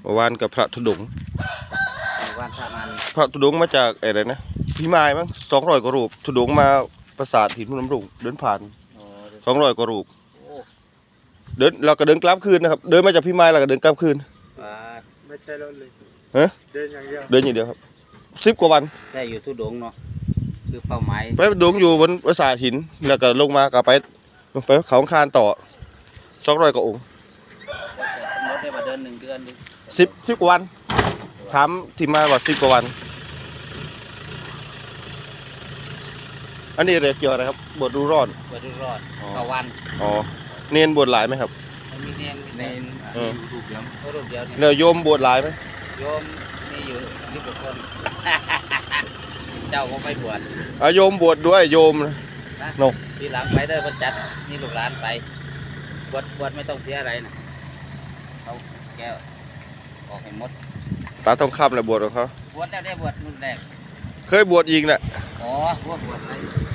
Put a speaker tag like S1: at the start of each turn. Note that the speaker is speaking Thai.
S1: วานกับพระธุดงค์
S2: วานพระมัน
S1: พระธุดงค์มาจากอะไรนะพี่ไม้มั้ง200 กว่ารูปธุดงค์มาปราสาทหินพนมรุ้งเดินผ่าน200 กว่ารูปเดินเราก็เดินกลับคืนนะครับเดินมาจากพี่ไม้เราก็เดินกลับคืน
S3: ไม่ใช่รถเลย
S1: ฮะ
S3: เดินอย่างเดียว
S1: ครับ10 กว่าวัน
S2: ใช่อยู่ทุดงเนาะคือเป้าหมาย
S1: ไปธุดงค์อยู่บนปราสาทหินแล้วก็ลงมาก็ไปเขาคานต่อ200 กว่าองค์
S2: กำหนดได้ว่าเดิน1 เดือน
S1: 10 กว่าวันถามที่มาว่า10 กว่าวันอันนี้เรียกเกี่ยวอะไรครับบวชดูร้อน
S2: ต่อวัน
S1: อ๋อเนนบวชหลายไหมครับ
S2: มีเนนรูปเดียว
S1: เนี่ยโยมบวชหลายไหม
S2: โยมมีอยู่10 กว่าคนเจ้าก็ไปบวช
S1: โยมบวชด้วยโยมนะ
S2: ทีหลังไปเด้อพระจัดมีลูกหลานไปบวชไม่ต้องเสียอะไรนะเขาแก้วออกให้หมด
S1: ตาทองคำแหละบวชของเขา
S2: บวชแล้วได้บวชรุ่นแรก
S1: เคยบวชอีกแหละ
S2: อ๋อบวชอะไร